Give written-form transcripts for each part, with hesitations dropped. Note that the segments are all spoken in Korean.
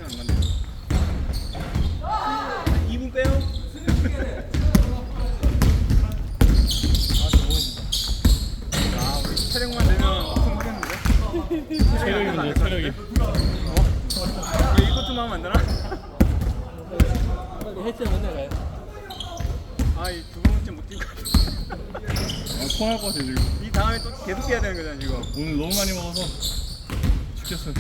안 간다. 2분 빼요? 아, 우리 체력만 되면 엄청 하겠는데? 체력이 문제, 체력이. 왜 이것도 하면 안 되나? 헬스 맨날 가요. 아, 이 두 번째 못 뛰고. 토할 것 같아 지금. 이 다음에 또 계속 해야 되는 거잖아, 지금. 오늘 너무 많이 먹어서 죽겠어.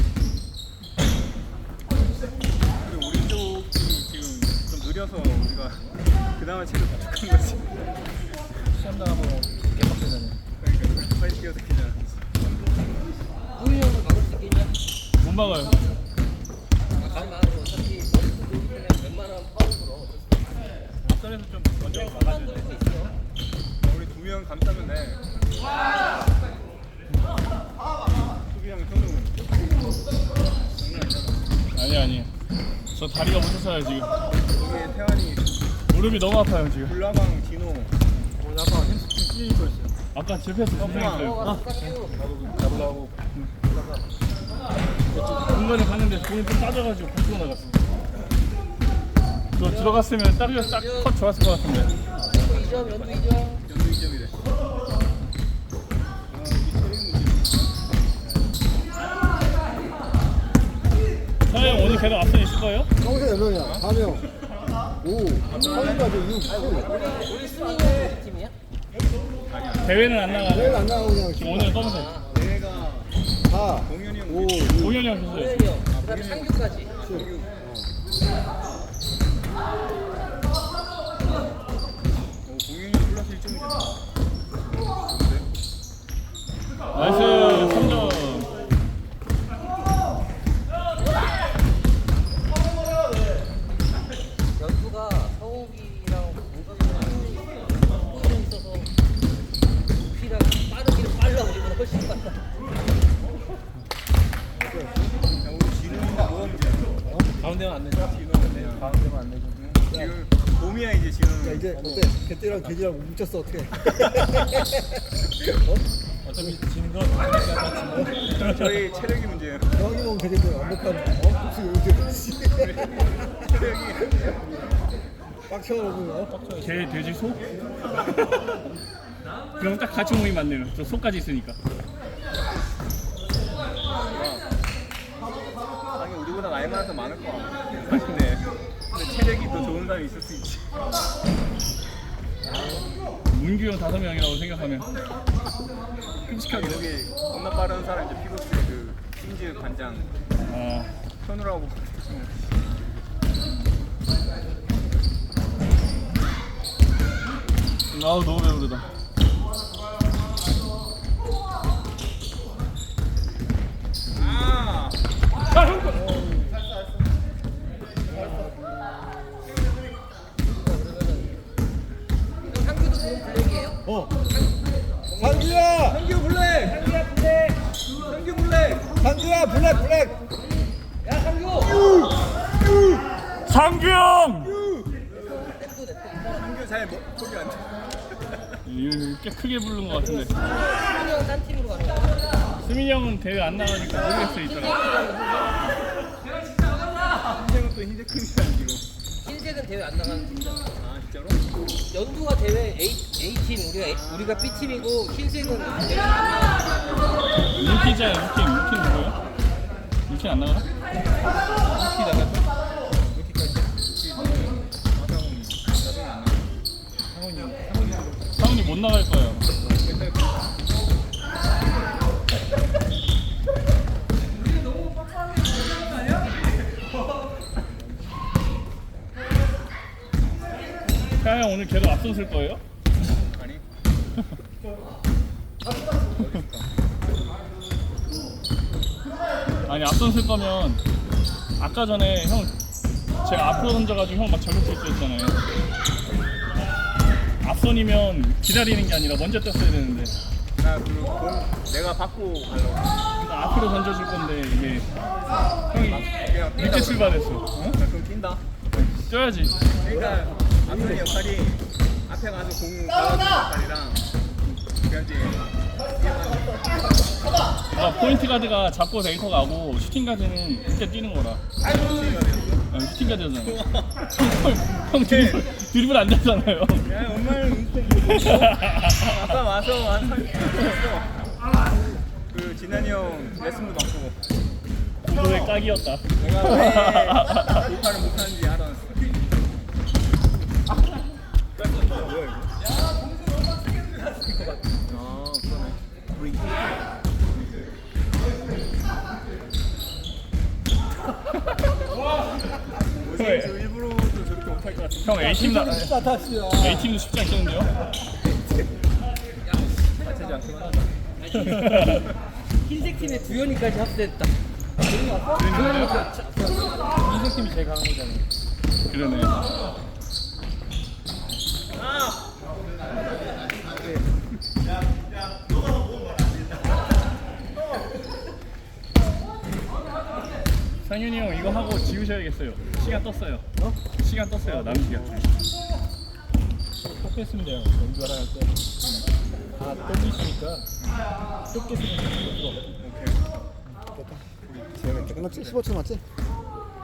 그리고 우리 쪽이 지금 좀 느려서 우리가 그 다음에 체력 부족한 거지. 시험 나가고 개빡세잖아요. 그러니까 빨리 뛰어서 뛰잖아. 우리 형은 막을 수 있겠냐? 못 막아요. 가지 마. 어차피 머리 또 돌기 때문에 웬만하면 파울 불어. 앞선에서 좀 먼저 막아줘야 돼. 수 있어. 우리 두 명 감싸면 돼. 수비랑 현우. 아니. 저 다리가 못 섰어요 지금. 여기에 태환이, 무릎이 너무 아파요 지금. 불나방, 진호. 아까 햄스트링 찔릴 뻔했어요. 아까 실패했어. 어, 잡으려고. 중간에 갔는데 공이 좀 따져가지고 밖으로 나갔어. 저 들어갔으면 따르려 싹컷 좋았을 것 같은데. 연두 2점, 연두 2점. 연두 2점이래. 사장 오늘 계속 앞선 있을 거예요? 평소에 몇 명이야? 4명. 5. 3명까지 6, 7. 우리 순위는 우리 팀이야? 대회는 안 나가요. 내일 안 나가고 그냥 지금 오늘 검은색. 내가 4, 동현이 형 5, 우리 6, 공연이 형 했어요. 호연이 형. 그 다음에 상규까지. 7. 공연이 플러스 1점이잖아. 나이스 3점. 연두가 서욱이랑 공석이랑 포지션 있어서 높이랑 빠르기는 빨라. 우리보다 훨씬 빨라. 야, 우리 진호는 뭐가 문제야? 가운데만 안 내죠? 진호는 그냥 가운데만 안 내죠. 지금 봄이야 이제 진호는. 야, 이제 어때? 개떼랑 개지랑 뭉쳤어, 어떻게? 어차피 지는 건 저희 체력이 문제예요. 형이 먹으면 되겠네. 완벽한, 복수 요새. 체력이. 빡쳐 먹으면, 개, 돼지, 소? 그럼 딱 같이 모이면 맞네요. 저 소까지 있으니까. 아니 우리보다 나이 많아서 많을 거야. 사실인데 근데 체력이 더 좋은 사람이 있을 수 있지. 문규 형 5명이라고 생각하면 끔찍하게 여기 겁나 빠른 사람 이제 피고스 그 신즈 관장 아, 현우라고. 아우 너무 배부르다. 아. 상규도 좋은 블랙이에요? 상규야! 상규 블랙. 상규 블랙. 상규야, 블랙! 야 상규! 상규 형! 상규 잘 거기 안 돼. 꽤 크게 부른 것 같은데. 승민이 형딴 팀으로 가는 거야? 수민이 형은 대회 안 나가니까 모르겠어 있더라. 흰색은 또 흰색 크니까 지금. 흰색은 대회 안 나가는 팀이잖아. 아 진짜로? 연두가 대회 A팀, 우리가 B팀이고 흰색은 대회 안 나가는 팀이야. 루키잖아요. 루키 누구예요? 루키 안 나가나? 루키 나갔어? 루키까지. 아상훈이 나중에 안 나. 상훈이 상훈이 못 나갈 거예요. 맨날 태아 형 오늘 계속 앞선 쓸 거예요? 아니. 아니 앞선 쓸 거면 아까 전에 형 제가 앞으로 던져가지고 형 막 저격 실수했잖아요. 앞선이면 기다리는 게 아니라 먼저 떴어야 되는데 나 그리고 공 내가 받고 가려고. 그러니까 앞으로 던져줄 건데 이게 형이 그냥 뛴다 늦게 그래. 출발했어. 어? 나 그럼 뛴다. 뛰어야지. 그러니까 앞선의 역할이 앞에 가서 공 받아주는 역할이랑 그냥 이제 그러니까 포인트 가드가 잡고 데이터 가고 슈팅 가드는 그때 뛰는 거라. 슈팅 가드 혼자 되잖아요. 형 드리블 안 되잖아요. 야 엄마는 아까 와서 한 30분 그 진환이 형 레슨도 받고 구도의 딱이었다. 내가 왜 돌파를 못하는지 알아놨어. 뭐야 이거? 아 그러네. 뭐지? 저 일부러 또 저렇게 못할 것 같은데. 형 A팀 나 진짜 다시야. A팀도 쉽지 않겠는데요? 맞추지 않기만 하자. 흰색 팀에 두현이까지 합세했다. 흰색 팀이 제일 강한 거잖아요. 그러네. 상윤이 형 이거 하고 지우셔야겠어요. 시간 떴어요. 시간 떴어요. 남은 시간. 꼭 했으면 돼요. 연주 하나 할 때. 다 땡기시니까 좁게 쓰면 돼요. 지금 끝났지? 15초 맞지?